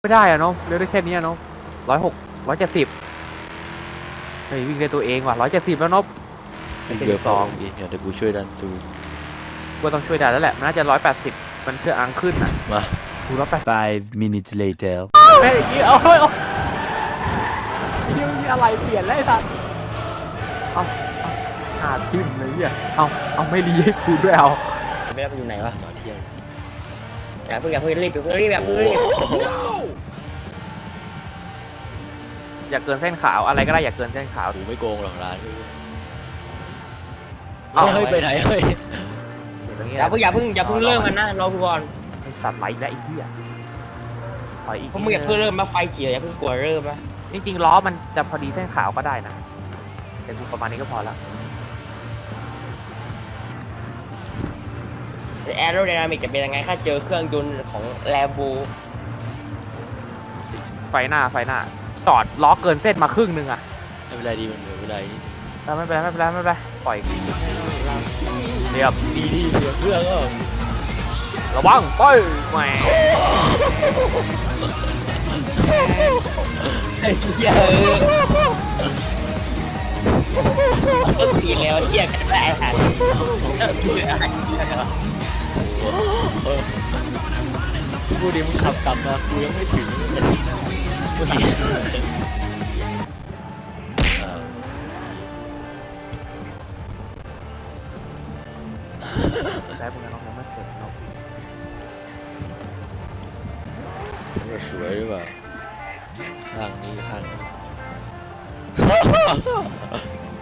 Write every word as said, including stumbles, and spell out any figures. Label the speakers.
Speaker 1: ไม่ได้อะเนาะเร็วได้แค่นี้เนาะร้อยหกร้อยเจ็ดสิบเฮ้ยวิ่งได้ตัวเองว่ะร้อยเจ็ดสิบแล้วเนาะ
Speaker 2: เดี๋ยวสองเดี๋ยวกูช่วยดันจู
Speaker 1: กูต้องช่วยได้แล้วแหละมันน่าจะร้อยแปดสิบมันเชื่ออังขึ้นอ่ะ
Speaker 2: มา
Speaker 1: กูร้อยแปด
Speaker 3: Five minutes later.
Speaker 1: แม่อีกทีเอาเฮ้ยเอามีอะไรเปลี่ยนแล้วไอ้สัสเอาเอาหาทิมเลยเนี่ยเอาเอาไม่รีให้กูด้วยเอา
Speaker 4: ไม่ได้ไปอยู่ไหนวะ
Speaker 2: ต่อเที่ยง
Speaker 4: อย่าเพิ่งอย่าเพิ่งรีบอย่าเพิ่งรีบอย่าเพิ่งรีบ
Speaker 1: อย่าเกินเส้นขาวอะไรก็ได้อย่าเกินเส้นขาว
Speaker 2: กูไม่โกงหรอกร้าน
Speaker 1: เอา
Speaker 2: เฮ้ยไปไหนเฮ้ย
Speaker 1: อย่างนี้
Speaker 4: อย่าเพิ่งอย่าเพิ่งอย่าเพิ่งเริ่มกันนะรอกูก่อน
Speaker 1: ไอ้สัตว์ไหลแล้วไอ้เหี้ยถอยอีก
Speaker 4: เพราะมึงอย่าเพิ่งเริ่มมาไฟเขียวอย่าเพิ่งกลัวเริ่มนะ
Speaker 1: จริงๆล้อมันจะพอดีเส้นขาวก็ได้นะแต่กูประมาณนี้ก็พอแล้ว
Speaker 4: แอโรไดนามิกจะเป็นยังไงถ้าเจอเครื่องยนต์ของแลมโบ
Speaker 1: ไฟหน้าไฟหน้าจอดล้อเกินเส้นมาครึ่งนึงอะ
Speaker 2: ไม่เป็นไรดีมันเหลือเวลานิดนึง
Speaker 1: แล้วไม่เป็นไรไม่เป็นไรไม่เป็นไรปล่อยเรียบ
Speaker 2: ดีที่เหลือเครื่องก็
Speaker 1: ระวังไปแหม
Speaker 4: ไอ้เหี้ยก็ตีแล้วเหี้ยกันได้ฮะ
Speaker 2: กูดิมึงขับกลับมากูยังไม่ถึงกูถาม
Speaker 1: ได้พวกนั้นน้องยังไม่เสร็จเนาะ
Speaker 2: สวยหรือเปล่าข้างนี้ข้างนี้